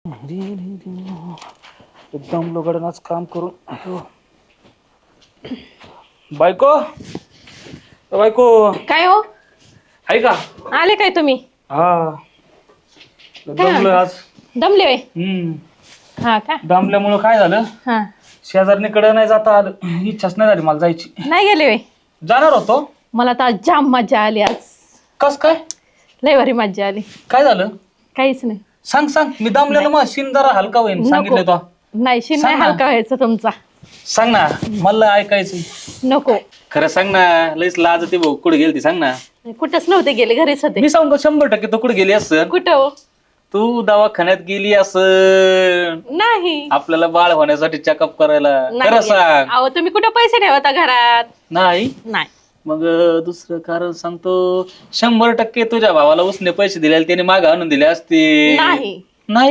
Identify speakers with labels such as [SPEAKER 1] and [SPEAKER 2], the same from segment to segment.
[SPEAKER 1] एकदम लोगडनाच काम करून बायको बायको
[SPEAKER 2] काय हो
[SPEAKER 1] आहे का?
[SPEAKER 2] आले काय तुम्ही?
[SPEAKER 1] हा दमलोय आज.
[SPEAKER 2] दमले होय? हा का?
[SPEAKER 1] दमल्यामुळं काय झालं,
[SPEAKER 2] हा
[SPEAKER 1] शेजारणीकडे नाही जाता आलं. इच्छाच नाही झाली मला जायची.
[SPEAKER 2] नाही गेले होय?
[SPEAKER 1] जाणार होतो.
[SPEAKER 2] मला तर जाम मजा आली आज.
[SPEAKER 1] कस काय?
[SPEAKER 2] लय भारी मजा आली.
[SPEAKER 1] काय झालं?
[SPEAKER 2] काहीच नाही.
[SPEAKER 1] सांग सांग. मी दमलेलो मग शिन जरा हलका होईन सांगितलं तो.
[SPEAKER 2] नाही शिन
[SPEAKER 1] सांग
[SPEAKER 2] नाही
[SPEAKER 1] ना.
[SPEAKER 2] हलका व्हायचा तुमचा.
[SPEAKER 1] सांग ना, मला ऐकायचं.
[SPEAKER 2] नको.
[SPEAKER 1] खरं सांग ना, लईच लाज ती भाऊ. कुठे गेलती सांग ना.
[SPEAKER 2] कुठंच नव्हते गेले, घरीच होते.
[SPEAKER 1] मी सांगतो 100% तू कुठे गेली असं.
[SPEAKER 2] कुठं हो?
[SPEAKER 1] तू दवाखान्यात गेली असं.
[SPEAKER 2] नाही.
[SPEAKER 1] आपल्याला बाळ होण्यासाठी चेकअप करायला.
[SPEAKER 2] नाही
[SPEAKER 1] खरं
[SPEAKER 2] गेले.
[SPEAKER 1] सांग.
[SPEAKER 2] अहो तुम्ही कुठं पैसे ठेवता घरात?
[SPEAKER 1] नाही.
[SPEAKER 2] नाही.
[SPEAKER 1] मग दुसरं कारण सांगतो, 100% तुझ्या भावाला उसने पैसे दिले त्याने माग आणून दिले असते.
[SPEAKER 2] नाही.
[SPEAKER 1] नाही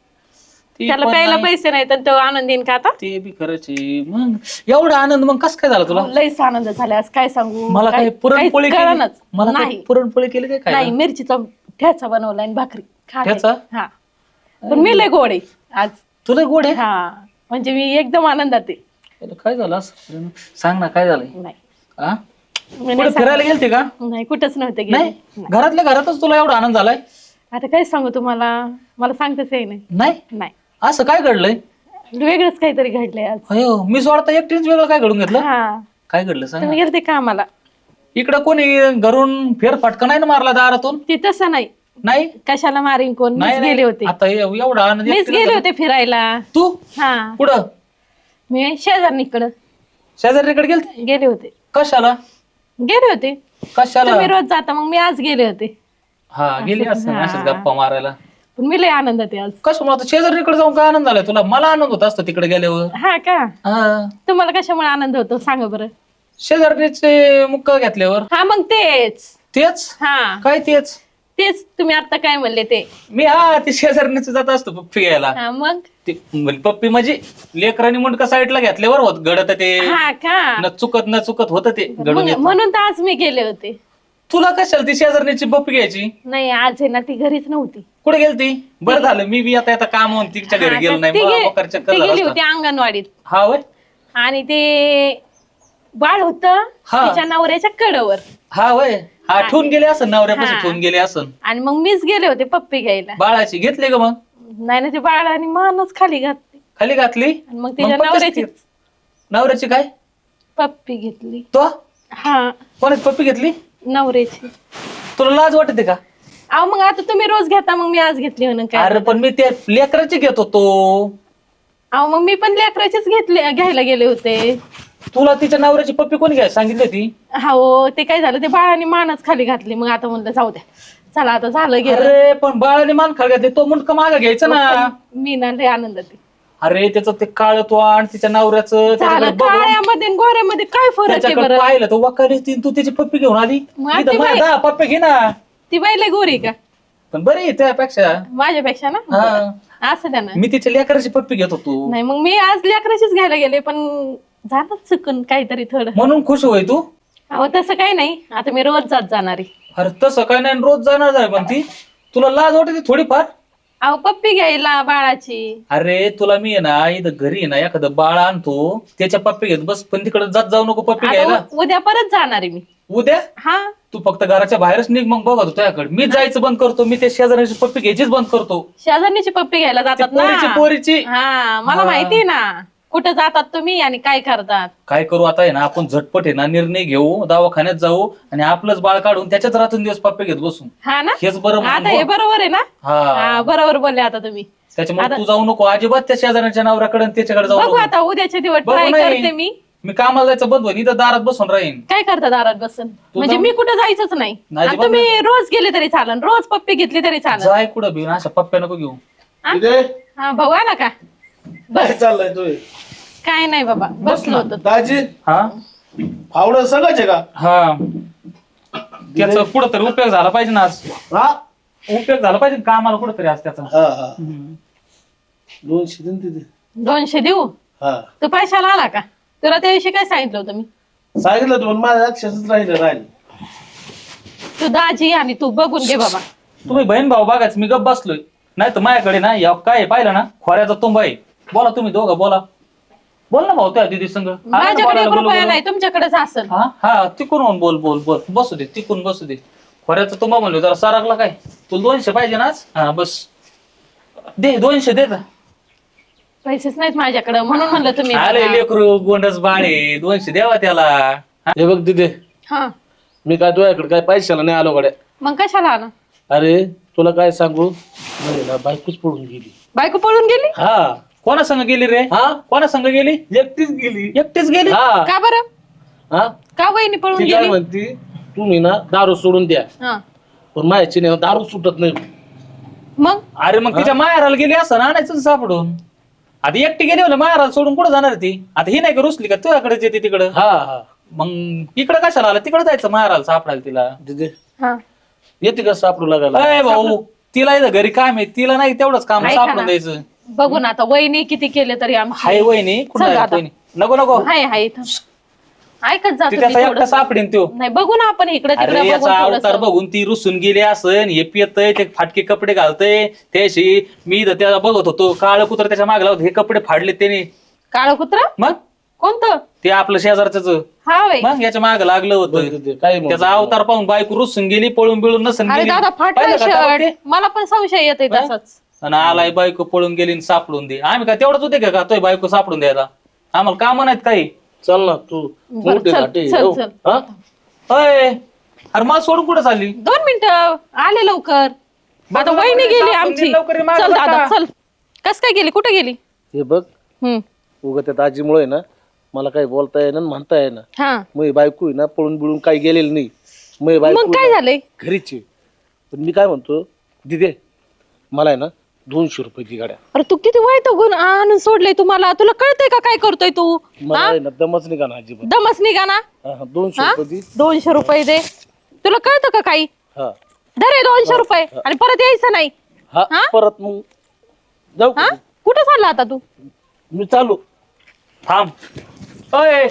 [SPEAKER 2] त्याला प्यायला पैसे नाही तर तो आनंद देईन का आता?
[SPEAKER 1] ते बी खरंच आहे. मग एवढा आनंद मग कस काय झाला तुला?
[SPEAKER 2] लईच आनंद झाला आज, काय सांगू.
[SPEAKER 1] मला काही पुरणपोळी केली?
[SPEAKER 2] कळणच.
[SPEAKER 1] मला
[SPEAKER 2] नाही
[SPEAKER 1] पुरणपोळी केली काय?
[SPEAKER 2] नाही, मिरचीचा ठ्याचा बनवला आणि भाकरी खाते.
[SPEAKER 1] ठ्याचा?
[SPEAKER 2] हा. पण मी लय गोड आहे आज.
[SPEAKER 1] तुला गोड आहे?
[SPEAKER 2] हा म्हणजे मी एकदम आनंदात आहे.
[SPEAKER 1] काय झालं असं? सांग ना काय झालंय.
[SPEAKER 2] नाही
[SPEAKER 1] हा?
[SPEAKER 2] मी
[SPEAKER 1] कुठे
[SPEAKER 2] नाही
[SPEAKER 1] फिरायला गेलते का?
[SPEAKER 2] नाही, कुठंच नव्हते गेले.
[SPEAKER 1] नाही, घरातल्या घरातच तुला एवढा आनंद झालाय?
[SPEAKER 2] आता काय सांगू तुम्हाला, मला सांगताच येई नाही.
[SPEAKER 1] नाही
[SPEAKER 2] नाही,
[SPEAKER 1] असं काय घडलंय?
[SPEAKER 2] वेगळंच काहीतरी घडलंय आज.
[SPEAKER 1] अयो, मी स्वतः एकटीच वेगळं काय घडून घेतलं?
[SPEAKER 2] हा.
[SPEAKER 1] काय घडलं सांग
[SPEAKER 2] तुम्ही
[SPEAKER 1] ना.
[SPEAKER 2] गेलते का आम्हाला?
[SPEAKER 1] इकडं कोणी घरून फेरफटका नाही ना मारला दारातून?
[SPEAKER 2] ते तसं नाही.
[SPEAKER 1] नाही
[SPEAKER 2] कशाला मारीन कोण? मीच
[SPEAKER 1] नाही
[SPEAKER 2] गेले होते.
[SPEAKER 1] आता एवढा आनंद
[SPEAKER 2] मीच
[SPEAKER 1] एकटीला
[SPEAKER 2] गेले
[SPEAKER 1] झाला?
[SPEAKER 2] होते फिरायला.
[SPEAKER 1] तू
[SPEAKER 2] हा.
[SPEAKER 1] कुठं?
[SPEAKER 2] मी शेजारणीकडं
[SPEAKER 1] शेजारीकडे गेलते?
[SPEAKER 2] गेले होते.
[SPEAKER 1] कशाला?
[SPEAKER 2] गेले होते.
[SPEAKER 1] कशाला?
[SPEAKER 2] तुम्ही रोज जाता, मग मी आज गेले होते.
[SPEAKER 1] हा गेली असं
[SPEAKER 2] हा.
[SPEAKER 1] अशाच गप्पा मारायला.
[SPEAKER 2] पण मी लय आनंदात आहे आज.
[SPEAKER 1] कशामुळे आता शेजारीकडे जाऊन काय आनंद झालाय तुला? मला आनंद होत असतो तिकडे गेल्यावर.
[SPEAKER 2] हा का?
[SPEAKER 1] हा,
[SPEAKER 2] तुम्हाला कशामुळे आनंद होतो सांगा बरं?
[SPEAKER 1] शेजारणीचे मुक्का घेतल्यावर.
[SPEAKER 2] हा मग तेच.
[SPEAKER 1] तेच
[SPEAKER 2] हा
[SPEAKER 1] काय तेच?
[SPEAKER 2] तेच तुम्ही आता काय म्हणले ते.
[SPEAKER 1] मी हा ते शेजारणीच जात असतो पप्पी घ्यायला.
[SPEAKER 2] हा मग.
[SPEAKER 1] ते पप्पी म्हणजे लेकरांनी मुंडका साईडला घेतल्यावर होत घडत ते.
[SPEAKER 2] हा का?
[SPEAKER 1] न चुकत होत ते घडून येतं.
[SPEAKER 2] म्हणून तर आज मी गेले होते.
[SPEAKER 1] तुला कशाला ती शेजारणीची पप्पी घ्यायची?
[SPEAKER 2] नाही, आज आहे ना ती घरीच नव्हती.
[SPEAKER 1] कुठे गेलती? बरं झालं मी बी आता काम होऊन तिच्या घरी गेलो नाही. मला मोकार चक्कर
[SPEAKER 2] ती
[SPEAKER 1] झाला
[SPEAKER 2] गेली
[SPEAKER 1] असता.
[SPEAKER 2] होती अंगणवाडीत.
[SPEAKER 1] हा होय.
[SPEAKER 2] आणि ते बाळ होत
[SPEAKER 1] हा.
[SPEAKER 2] तिच्या नवऱ्याच्या कडेवर.
[SPEAKER 1] हा होय. हा ठेवून गेले असं नवऱ्यापासून
[SPEAKER 2] हा.
[SPEAKER 1] ठेवून गेले असं.
[SPEAKER 2] आणि मग मीच गेले होते पप्पी घ्यायला.
[SPEAKER 1] बाळाची घेतली का मग?
[SPEAKER 2] नाही ना, ते बाळाने मानच खाली घातली.
[SPEAKER 1] खाली घातली?
[SPEAKER 2] आणि मग तिच्या
[SPEAKER 1] पप्पीच
[SPEAKER 2] नवऱ्याची
[SPEAKER 1] ती- नवऱ्याची काय?
[SPEAKER 2] पप्पी घेतली.
[SPEAKER 1] तो
[SPEAKER 2] हा,
[SPEAKER 1] कोणाची पप्पी घेतली?
[SPEAKER 2] नवऱ्याची.
[SPEAKER 1] तुला लाज वाटते का?
[SPEAKER 2] अहो मग आता तुम्ही रोज घेता, मग मी आज घेतली म्हणून काय?
[SPEAKER 1] अरे पण मी त्या लेकराची घेत होतो.
[SPEAKER 2] अहो मग मी पण लेकराचीच घ्यायला गेले होते.
[SPEAKER 1] तुला तिच्या नवऱ्याची पप्पी कोणी घ्यायला सांगितली होती?
[SPEAKER 2] हो, ते काय झालं, ते बाळाने मानच खाली घातली. मग आता म्हणलं जाऊ द्या, चला आता झालं गेलं.
[SPEAKER 1] अरे पण बाळाने मान खाली घातली, तो मुंडका मागं घ्यायचा ना.
[SPEAKER 2] मी ना लय आनंदात आहे.
[SPEAKER 1] अरे त्याचं ते काळ तो आणि तिच्या नवऱ्याचं
[SPEAKER 2] झालं, काळ्यामध्ये आणि गोऱ्यामध्ये काय फरक आहे
[SPEAKER 1] त्याच्याकडे
[SPEAKER 2] बरं?
[SPEAKER 1] पाहिलं तो वकाली तू त्याची पप्पी घेऊन आली.
[SPEAKER 2] मग
[SPEAKER 1] इथं
[SPEAKER 2] ती बाई-
[SPEAKER 1] माझ्या पप्पी घे ना.
[SPEAKER 2] ती बाई लय गोरी का
[SPEAKER 1] पण बरी त्यापेक्षा.
[SPEAKER 2] माझ्यापेक्षा ना?
[SPEAKER 1] हा.
[SPEAKER 2] असं द्या ना.
[SPEAKER 1] मी तिच्या लेकराची पप्पी घेत होतो
[SPEAKER 2] नाही, मग मी आज लेकराचीच घ्यायला गेले, पण झालं चुकून काहीतरी थोडं.
[SPEAKER 1] म्हणून खुश होय तू?
[SPEAKER 2] अहो तसं काही नाही, आता मी रोज जात जाणार आहे.
[SPEAKER 1] अरे तसं काय नाही, रोज जाणार आहे पण ती. तुला लाज वाटते थोडीफार?
[SPEAKER 2] अहो पप्पी घ्यायला बाळाची.
[SPEAKER 1] अरे तुला मी आहे ना इथं घरी आहे ना एखादं बाळ आणतो त्याच्या पप्पी घेत बस, पण तिकडे जात जाऊ नको पप्पी घ्यायला.
[SPEAKER 2] आता उद्या परत जाणार आहे मी.
[SPEAKER 1] उद्या
[SPEAKER 2] हा.
[SPEAKER 1] तू फक्त घराच्या बाहेरच निघ, मग बघा तुझ्याकडे मी जायचं बंद करतो. मी त्या शेजाऱ्याची पप्पी घ्यायचीच बंद करतो.
[SPEAKER 2] शेजारणीची पप्पी घ्यायला जातात ना.
[SPEAKER 1] पोरीची
[SPEAKER 2] हा, मला माहिती ना कुठं जातात तुम्ही आणि काय करतात.
[SPEAKER 1] काय करू आता आहे ना, आपण झटपट आहे ना निर्णय घेऊ, दवाखान्यात जाऊ आणि आपलंच बाळ काढून त्याच्यात रात्री दिवस पप्पी घेत बसू.
[SPEAKER 2] हा ना,
[SPEAKER 1] हेच बरं
[SPEAKER 2] आता हे बरोबर आहे ना?
[SPEAKER 1] हा.
[SPEAKER 2] हा, बरोबर बोलले आता तुम्ही.
[SPEAKER 1] त्याच्यामुळे तू जाऊ नको अजिबात त्या शेजाऱ्याच्या नवऱ्याकडे त्याच्याकडे जाऊ
[SPEAKER 2] बघू
[SPEAKER 1] नको.
[SPEAKER 2] आता उद्याच्या दिवस
[SPEAKER 1] बघू
[SPEAKER 2] ट्राय
[SPEAKER 1] नाही.
[SPEAKER 2] करते मी.
[SPEAKER 1] मी कामाला जायचं बंद होईल, इथं दारात बसून राहीन.
[SPEAKER 2] काय करता दारात बसून? म्हणजे मी कुठं जायचंच नाही.
[SPEAKER 1] नाही,
[SPEAKER 2] आणि तुम्ही रोज गेले तरी चालन, रोज पप्पी घेतली तरी चालन.
[SPEAKER 1] जाय कुठं बी अशा पप्प्या नको घेऊ.
[SPEAKER 2] हा, भाऊ आला का?
[SPEAKER 3] काय चाललंय तू?
[SPEAKER 2] काय नाही बाबा, बसलो होतो.
[SPEAKER 3] दाजी
[SPEAKER 1] हा
[SPEAKER 3] फावडं सगळंच का?
[SPEAKER 1] हा, त्याचा कुठं तरी उपयोग झाला पाहिजे ना आज.
[SPEAKER 3] हा
[SPEAKER 1] उपयोग झाला पाहिजे कामाला कुठं तरी आज त्याचा.
[SPEAKER 3] हा हा 200 दिन तिथे.
[SPEAKER 2] 200 देऊ?
[SPEAKER 3] हा
[SPEAKER 2] तू पैशाला आला का? तुला त्याविषयी काय सांगितलं होतं मी?
[SPEAKER 3] सांगितलं तू, पण माझ्या लक्षातच राहिलं.
[SPEAKER 2] तू दाजी आणि तू बघून घे बाबा.
[SPEAKER 1] तुम्ही बहीण भाऊ बघाच, मी गप बसलोय. नाही तर माझ्याकडे ना या काय पाहिलं ना खोऱ्याचा तुंबा आहे. बोला तुम्ही दोघं बोला. बोल ना भाऊ त्या दिदी संग.
[SPEAKER 2] माझ्याकडे 1 रुपया नाही, तुमच्याकडेच असेल.
[SPEAKER 1] हा हा तिकून होऊन बोल बोल बोल बसू दे तिकून बसू दे. खोऱ्याचा तुंबा म्हणलो जरा सारकला काय तुला 200 पाहिजे ना आज? हा बस दे 200 दे.
[SPEAKER 2] पैसेच नाहीत माझ्याकडे म्हणून म्हणलं तुम्ही
[SPEAKER 1] अरे
[SPEAKER 2] बघा.
[SPEAKER 1] लेकरू गोंडस बाळे 200 द्यावा त्याला.
[SPEAKER 3] हे बघ तिथे
[SPEAKER 2] हा
[SPEAKER 3] मी काय तुझ्याकडे काय पैशाला नाही आलो गड्या.
[SPEAKER 2] मग कशाला आला?
[SPEAKER 3] अरे तुला काय सांगू नाही ना बायकोच पडून गेली.
[SPEAKER 2] बायको पळून गेली?
[SPEAKER 3] हा
[SPEAKER 1] कोणा संग गेली रे?
[SPEAKER 3] हा
[SPEAKER 1] कोणा संग गेली?
[SPEAKER 3] एकटीच गेली.
[SPEAKER 1] एकटीच गेली?
[SPEAKER 3] हा
[SPEAKER 2] का बरं?
[SPEAKER 3] हा
[SPEAKER 2] का वहिनी पळून
[SPEAKER 3] ती काय
[SPEAKER 2] गेली?
[SPEAKER 3] म्हणती तुम्ही ना दारू सोडून द्या
[SPEAKER 2] हा
[SPEAKER 3] पण माझ्याची नाही दारू सुटत नाही.
[SPEAKER 2] मग
[SPEAKER 1] अरे मग तिच्या माहेराला गेली असं ना आणायचं सापडून. आता एकटी गेली म्हणलं माहेराला सोडून कुठं जाणार ती? आता ही नाही का रुसली का तुझ्याकडेच येते तिकडं?
[SPEAKER 3] हा हा
[SPEAKER 1] मग इकडं कशाला आला? तिकडं जायचं माहेराला सापडायला तिला.
[SPEAKER 3] तिथे
[SPEAKER 2] हा
[SPEAKER 3] येते का सापडू लागायला?
[SPEAKER 1] अय भाऊ तिला इथं घरी काम आहे तिला नाही तेवढंच काम
[SPEAKER 2] ऐका
[SPEAKER 1] सापडून
[SPEAKER 2] ना.
[SPEAKER 1] द्यायचं.
[SPEAKER 2] बघू ना आता वहिनी किती केले तरी आमची
[SPEAKER 1] हाय वहिनी कुठं
[SPEAKER 2] चल
[SPEAKER 1] आहे
[SPEAKER 2] आता.
[SPEAKER 1] वहिनी? नको नको
[SPEAKER 2] हाय हाय इथं. ऐकत जातो
[SPEAKER 1] ती
[SPEAKER 2] मी
[SPEAKER 1] त्याचा एकटा
[SPEAKER 2] थोडंसं.
[SPEAKER 1] सापडेन तो.
[SPEAKER 2] नाही बघू ना आपण इकडे
[SPEAKER 1] अरे
[SPEAKER 2] तिकडे
[SPEAKER 1] याचा
[SPEAKER 2] बघून
[SPEAKER 1] अवतार
[SPEAKER 2] थोडंसं.
[SPEAKER 1] बघून ती रुसून गेली असन हे पियतय ते फाटके कपडे घालतय त्याशी मी इथं त्याला बघत होतो काळ कुत्र त्याच्या मागे लावत हे कपडे फाडले त्याने.
[SPEAKER 2] काळं कुत्र
[SPEAKER 1] मग
[SPEAKER 2] कोणतं?
[SPEAKER 1] ते आपलं शेजारच
[SPEAKER 2] हा वय
[SPEAKER 1] मग याच्या मागे लागलं होतं.
[SPEAKER 3] तिथे काय म्हणतो?
[SPEAKER 1] त्याचा अवतार पाहून बायको रुसून गेली पळून बिळून नसन
[SPEAKER 2] अरे
[SPEAKER 1] गेली.
[SPEAKER 2] दादा फाटलं
[SPEAKER 1] पाहिलं का तेव्हा ते?
[SPEAKER 2] शर्ट मला पण संशय येतोय तसाच.
[SPEAKER 1] आणि आलाय बायको पळून गेली आणि सापडून दे. आम्ही काय तेवढंच होते का तोय बायको सापडून द्यायला? आम्हाला काम नाहीत काही.
[SPEAKER 3] चल ना तू
[SPEAKER 2] बरं,
[SPEAKER 3] मोठी
[SPEAKER 2] चल,
[SPEAKER 3] नाटी
[SPEAKER 2] चल,
[SPEAKER 3] हो.
[SPEAKER 2] चल.
[SPEAKER 3] हा?
[SPEAKER 1] अय अरे मला सोडून कुठं चालली?
[SPEAKER 2] 2 मिनिटं आले लवकर. आता
[SPEAKER 1] बघ,
[SPEAKER 2] वहिनी
[SPEAKER 1] लवकर
[SPEAKER 2] गेली
[SPEAKER 1] ये,
[SPEAKER 2] आमची.
[SPEAKER 1] लवकर ये, मागं
[SPEAKER 2] चल
[SPEAKER 1] बघा.
[SPEAKER 2] दादा चल. कस काय गेली? कुठे गेली?
[SPEAKER 3] हे बघ
[SPEAKER 2] हम्म
[SPEAKER 3] उगा त्या दाजीमुळे ना मला काही बोलता येईना आणि म्हणता येईना.
[SPEAKER 2] हा
[SPEAKER 3] मग बायको आहे ना पळून बिळून काही गेलेली नाही. मग बायको
[SPEAKER 2] मग काय झालंय?
[SPEAKER 3] घरीची. पण मी काय म्हणतो दिदे मला आहे ना 200 रुपये दी गाड्या.
[SPEAKER 2] अरे तू किती वाईट गुण आणून सोडले तुम्हाला. तुला कळतंय का काय करतोय तू?
[SPEAKER 3] मला आहे ना दमच नाही का ना अजिबात.
[SPEAKER 2] दमच निघा ना.
[SPEAKER 3] हा, 200
[SPEAKER 2] हा?
[SPEAKER 3] रुपये दी.
[SPEAKER 2] 200 रुपये दे. तुला कळतं का काही?
[SPEAKER 3] हा
[SPEAKER 2] धरे 200 रुपये आणि परत यायचं नाही.
[SPEAKER 3] हा
[SPEAKER 2] हा?
[SPEAKER 3] परत मग जाऊ
[SPEAKER 2] हा
[SPEAKER 3] का?
[SPEAKER 2] कुठं चालला आता तू?
[SPEAKER 3] मी चालू.
[SPEAKER 1] थांब. अय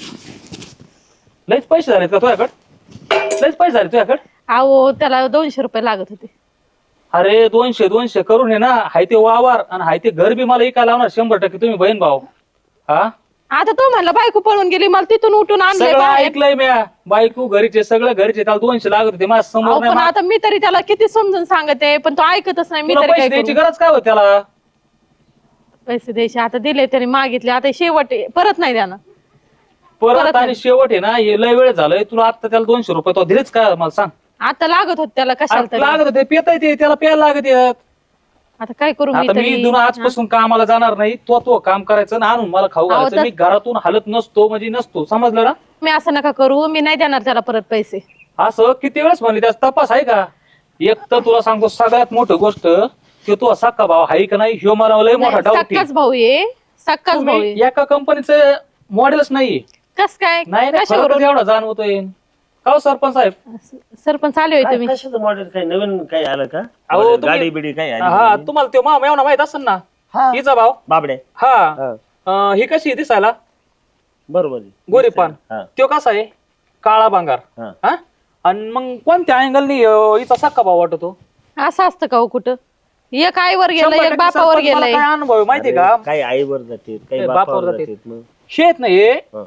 [SPEAKER 1] लयच पैसे झालेत का तुझ्याकडे? लयच पैसे झाले तुझ्याकडे?
[SPEAKER 2] अहो त्याला 200 रुपये लागत होते.
[SPEAKER 1] अरे 200 करून आहे ना हाय ते वावर आणि हाय ते घर बी मला इकायला लावणार 100% तुम्ही बहीण भाऊ. हा
[SPEAKER 2] आता तो म्हणला बायको पळून गेली मला तिथून उठून आणलंय
[SPEAKER 1] सगळं
[SPEAKER 2] बाहेर.
[SPEAKER 1] ऐकलंय मी. बायको घरीचे सगळं घरीचे त्याला 200 लागत होते माझ्या
[SPEAKER 2] अहो,
[SPEAKER 1] समोर नाही.
[SPEAKER 2] पण आता मी तरी त्याला किती समजून सांगते पण तो ऐकतच नाही. मी
[SPEAKER 1] तुला
[SPEAKER 2] तरी
[SPEAKER 1] पैसे
[SPEAKER 2] काय
[SPEAKER 1] द्यायची
[SPEAKER 2] करू?
[SPEAKER 1] गरज काय होती त्याला?
[SPEAKER 2] पैसे द्यायचे आता दिले त्याने मागितले आता शेवट आहे. परत नाही द्याना.
[SPEAKER 1] परत आणि शेवट आहे ना हे लय वेळ झालंय तुला आता त्याला 200 रुपये तो दिलेच का मला सांग?
[SPEAKER 2] आता लागत होत त्याला कशाला
[SPEAKER 1] आता
[SPEAKER 2] तरी.
[SPEAKER 1] लागत होते पिता येते त्याला प्यायला लागत येत.
[SPEAKER 2] आता काय करू मी
[SPEAKER 1] आता मी
[SPEAKER 2] तरी?
[SPEAKER 1] इथून आजपासून कामाला जाणार नाही तो काम करायचं आणि आणून मला खाऊ
[SPEAKER 2] अहो,
[SPEAKER 1] घालायचं.
[SPEAKER 2] तर-
[SPEAKER 1] मी घरातून हलत नसतो म्हणजे नसतो समजलं ना?
[SPEAKER 2] मी असं नका करू. मी नाही देणार त्याला परत पैसे.
[SPEAKER 1] असं किती वेळेस म्हणले त्याचा तपास आहे का? एक तर तुला सांगतो सगळ्यात मोठी गोष्ट की तो सक्का भाव आहे का नाही ह्यो मला लय मोठा डाऊट
[SPEAKER 2] सक्काच भाऊ ये. सक्काच भाऊ ये.
[SPEAKER 1] एका कंपनीचं मॉडेलच नाहीये.
[SPEAKER 2] कस काय?
[SPEAKER 1] नाही नाही,
[SPEAKER 2] कशावरून?
[SPEAKER 1] खरोखर एवढा जाणवतोय. का हो सरपंच साहेब?
[SPEAKER 2] सरपंच आले होते तुम्ही.
[SPEAKER 4] कशाचं मॉडेल काही नवीन काही आलं का
[SPEAKER 1] अहो,
[SPEAKER 4] Model,
[SPEAKER 1] तुम्ही-
[SPEAKER 4] गाडी बिडी काही आली
[SPEAKER 1] हा तुम्हाला तो मामा एवढा माहित असेल ना हिचा भाव.
[SPEAKER 4] बाबडे
[SPEAKER 1] हा
[SPEAKER 4] हा.
[SPEAKER 1] ही कशी आहे दिसायला?
[SPEAKER 4] बरोबर आहे.
[SPEAKER 1] गोरीपान.
[SPEAKER 4] हा.
[SPEAKER 1] तो कसा आहे? काळा भांगार.
[SPEAKER 4] हा.
[SPEAKER 1] हा आणि मग कोणत्या अँगलनी हिचा सक्का भाव वाटतो?
[SPEAKER 2] असं असतं का हो कुठं? एक आईवर गेलं
[SPEAKER 1] 100%
[SPEAKER 2] एक बापावर
[SPEAKER 1] सरपंच मला
[SPEAKER 2] गेलंय.
[SPEAKER 1] काय अनुभव आहे माहितीये का?
[SPEAKER 4] काही आईवर जाते काही
[SPEAKER 1] बापावर
[SPEAKER 4] बापावर
[SPEAKER 1] जाते.
[SPEAKER 4] जाते मग
[SPEAKER 1] शेत नाही
[SPEAKER 4] हा.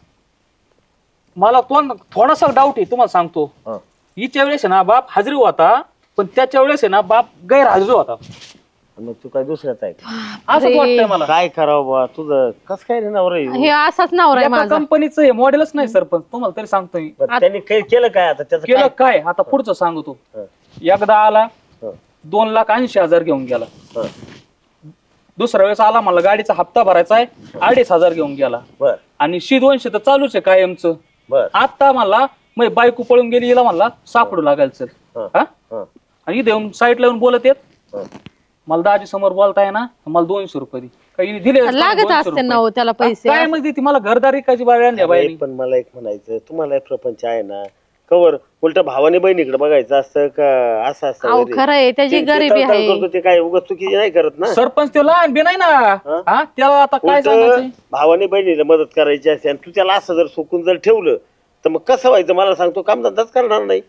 [SPEAKER 1] मला तो थोडासा डाऊट आहे तुम्हाला सांगतो.
[SPEAKER 4] हा.
[SPEAKER 1] हिच्या वेळेस आहे ना बाप हजरी होता पण त्याच्या वेळेस आहे ना बाप गैरहजरी होता.
[SPEAKER 4] मग तू काय दुसऱ्याच आहे का?
[SPEAKER 1] असंच वाटतंय मला.
[SPEAKER 4] काय करावं बा तुझं कस काय रे नवरा आहे?
[SPEAKER 2] हे असाच नवरा आहे
[SPEAKER 1] एका
[SPEAKER 2] माझा.
[SPEAKER 1] कंपनीचं हे मॉडेलच नाही सरपंच तुम्हाला तरी सांगतो मी.
[SPEAKER 4] बरं, त्यांनी काही केलं काय आता त्याचं
[SPEAKER 1] केलं
[SPEAKER 4] काय
[SPEAKER 1] काय आता पुढचं सांगतो.
[SPEAKER 4] हा.
[SPEAKER 1] एकदा आला
[SPEAKER 4] हा.
[SPEAKER 1] 2,80,000 घेऊन गेला.
[SPEAKER 4] हा.
[SPEAKER 1] दुसऱ्या वेळेस आला मला गाडीचा हप्ता भरायचा आहे 2,500 घेऊन गेला.
[SPEAKER 4] बर
[SPEAKER 1] आणि 200 तर चालूच आहे कायमचं.
[SPEAKER 4] बर
[SPEAKER 1] आता मला मग बायको पळून गेली हिला म्हणला सापडू लागायला सर.
[SPEAKER 4] हा.
[SPEAKER 1] हा
[SPEAKER 4] हा.
[SPEAKER 1] आणि इथे येऊन साईडला येऊन बोलत येत
[SPEAKER 4] हा.
[SPEAKER 1] मला दाजी समोर बोलताय ना मला 200 रुपये दे. काही दिले
[SPEAKER 2] लागत असते ना हो त्याला पैसे.
[SPEAKER 1] काय म्हणजे ती मला घरदारी काची बाहेर आणल्या
[SPEAKER 4] अरे,
[SPEAKER 1] बाई.
[SPEAKER 4] पण मला एक म्हणायचं तुम्हाला एक प्रपंच आहे ना कवर उलट भावाने बहिणीकडे बघायचं असतं का असं असतं
[SPEAKER 2] अहो
[SPEAKER 4] घरी?
[SPEAKER 2] खरं आहे त्याची
[SPEAKER 4] ते- ते
[SPEAKER 2] गरिबी
[SPEAKER 4] तळतळ
[SPEAKER 2] आहे.
[SPEAKER 4] करतो ते काय उगाच चुकी नाही करत ना.
[SPEAKER 1] सरपंच ते लहान बी नाही ना. हा त्याला आता काय
[SPEAKER 4] उलट
[SPEAKER 1] सांगायचं?
[SPEAKER 4] भावाने बहिणीला मदत करायची असते आणि तू त्याला असं जर सुकून जर ठेवलं तर मग कसं व्हायचं मला सांगतो कामधंदाच करणार नाही.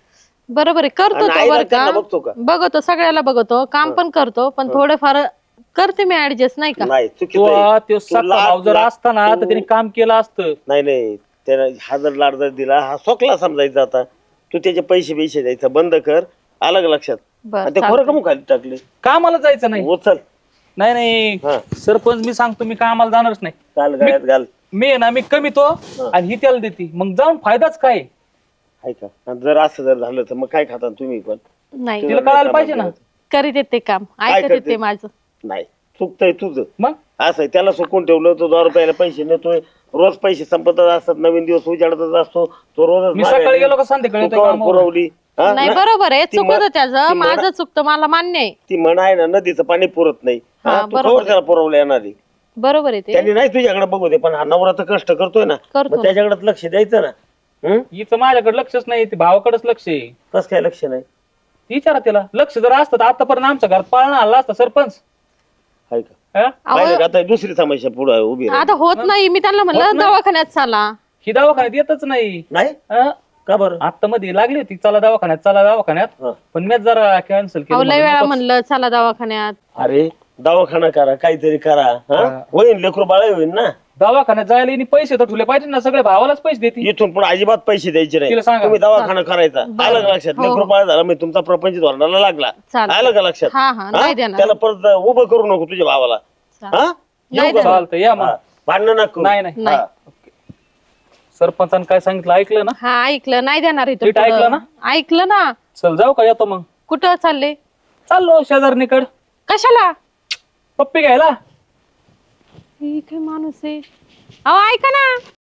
[SPEAKER 2] बरोबर आहे, करतो
[SPEAKER 4] आणि
[SPEAKER 2] तो
[SPEAKER 4] आईला
[SPEAKER 2] बरं
[SPEAKER 4] त्यांना
[SPEAKER 2] का,
[SPEAKER 4] बघतो का?
[SPEAKER 2] बघतो सगळ्याला बघतो, काम पण करतो, पण थोडेफार करते मी ऍडजस्ट नाही का.
[SPEAKER 4] नाही
[SPEAKER 1] तो
[SPEAKER 4] चुकीचं आहे.
[SPEAKER 1] तो
[SPEAKER 4] तू
[SPEAKER 1] सक्का भाऊ जर
[SPEAKER 4] लाड-
[SPEAKER 1] असता ना तर त्याने काम केलं असतं.
[SPEAKER 4] नाही नाही त्यानं हा जर लाड जर दिला हा सोकला समजायचा आता. तू त्याचे पैसे द्यायचं बंद कर, अलग लक्षात.
[SPEAKER 2] बरं,
[SPEAKER 4] आणि ते खोरं
[SPEAKER 2] चालतंय.
[SPEAKER 4] कमू खाली टाकले
[SPEAKER 1] कामाला जायचं नाही.
[SPEAKER 4] उचल
[SPEAKER 1] नाही नाही
[SPEAKER 4] हा.
[SPEAKER 1] सरपंच मी सांगतो मी कामाला जाणारच नाही.
[SPEAKER 4] घाल गळ्यात घाल.
[SPEAKER 1] मी आहे ना मी कमीतो आणि ही त्याला देते, मग जाऊन फायदाच काय?
[SPEAKER 4] आहे का? आणि जर असं जर झालं तर मग काय खाता तुम्ही पण?
[SPEAKER 2] नाही
[SPEAKER 1] तिला कळायला पाहिजे ना.
[SPEAKER 2] करीत येते काम,
[SPEAKER 4] काय
[SPEAKER 2] ऐकत
[SPEAKER 4] करते?
[SPEAKER 2] येते माझं.
[SPEAKER 4] नाही चुकतंय तुझं.
[SPEAKER 1] मग
[SPEAKER 4] असं आहे, त्याला सुकून ठेवलं तो 10 रुपयाला पैसे नेतोय, रोज पैसे संपतच असतात, नवीन दिवस उजाडतच असतो तो रोज.
[SPEAKER 1] मी सकाळी गेलो का संध्याकाळी येतोय कामावर?
[SPEAKER 4] पुरवली हा?
[SPEAKER 2] नाही
[SPEAKER 4] ना-
[SPEAKER 2] बरोबर आहे,
[SPEAKER 4] ती
[SPEAKER 2] चुकत
[SPEAKER 4] म-
[SPEAKER 2] त्याचं,
[SPEAKER 4] ती म्हणा-
[SPEAKER 2] माझं चुकतं, मला मान्य आहे.
[SPEAKER 4] ती म्हणा आहे ना नदीचं पाणी पुरत नाही
[SPEAKER 2] हा,
[SPEAKER 4] हा, तू
[SPEAKER 2] बरोबर
[SPEAKER 4] खबर
[SPEAKER 2] आहे.
[SPEAKER 4] त्याला पुरवलं येणार आहे.
[SPEAKER 2] बरोबर आहे ते.
[SPEAKER 4] त्यांनी नाही तुझ्याकडे बघू दे, पण हा नवरा तर कष्ट करतोय ना,
[SPEAKER 2] करतो
[SPEAKER 4] मग त्याच्याकडे लक्ष द्यायचं ना.
[SPEAKER 1] हिचं माझ्याकडे लक्षच नाही, ते भावाकडेच लक्ष आहे.
[SPEAKER 4] कस काय लक्ष नाही?
[SPEAKER 1] विचारा त्याला, लक्ष जर असतं तर आतापर्यंत आमच्या घरात पाळणा आला असता सरपंच.
[SPEAKER 4] आहे का?
[SPEAKER 1] हा?
[SPEAKER 4] पाहिलं का? आता दुसरी समस्या पुढे उभी राहिली.
[SPEAKER 2] आता होत नाही, मी त्यांना
[SPEAKER 1] होत
[SPEAKER 2] म्हणलं
[SPEAKER 1] नाही.
[SPEAKER 2] दवाखान्यात चाला.
[SPEAKER 1] ही दवाखान्यात येतच नाही.
[SPEAKER 4] नाही
[SPEAKER 1] हा?
[SPEAKER 4] का बरं?
[SPEAKER 1] आता मध्ये लागली होती चला दवाखान्यात चला दवाखान्यात,
[SPEAKER 4] हा.
[SPEAKER 1] पण मी जरा कॅन्सल
[SPEAKER 2] अहो लय
[SPEAKER 1] केलं.
[SPEAKER 2] वेळा
[SPEAKER 1] नकोच.
[SPEAKER 2] म्हणलं चला दवाखान्यात.
[SPEAKER 4] अरे दवाखाना करा, काहीतरी करा. हा? होईन लेकरू बाळ होईन ना.
[SPEAKER 1] दवाखान्यात जायला हिने पैसे तर ठुले पाहिजे ना, सगळे भावालाच पैसे देते.
[SPEAKER 4] इथून पुढे अजिबात पैसे द्यायचे नाही.
[SPEAKER 1] तिला सांगा.
[SPEAKER 4] तुम्ही दवाखाना करायचा.
[SPEAKER 2] बरं.
[SPEAKER 4] आलं का लक्षात?
[SPEAKER 2] हो,
[SPEAKER 4] लेकरू
[SPEAKER 2] हो.
[SPEAKER 4] बाळ झाला मी तुमचा प्रपंच धोरणाला लागला.
[SPEAKER 2] चालतंय.
[SPEAKER 4] आलं का लक्षात?
[SPEAKER 2] हा, हा, नाही देणार.
[SPEAKER 4] त्याला परत उभं करू नको तुझ्या भावाला. हा?
[SPEAKER 2] नाही
[SPEAKER 4] येऊ का?
[SPEAKER 2] देणार.
[SPEAKER 1] चालतं या मग.
[SPEAKER 4] हा. भांडणं नको.
[SPEAKER 1] नाही नाही
[SPEAKER 2] नाही.
[SPEAKER 4] हा.
[SPEAKER 1] सरपंचानं काय सांगितलं ऐकलं ना?
[SPEAKER 2] हा ऐकलं, नाही देणार इथून
[SPEAKER 1] नीट ऐकलं
[SPEAKER 2] पुढं.
[SPEAKER 1] ना?
[SPEAKER 2] ऐकलं ना.
[SPEAKER 1] चल जाऊ का, येतो मग.
[SPEAKER 2] कुठं चालले?
[SPEAKER 1] चाललो शेजारणीकड
[SPEAKER 2] कशाला?
[SPEAKER 1] पप्पी घ्यायला.
[SPEAKER 2] हे काय माणूस आहे. अहो ऐका ना,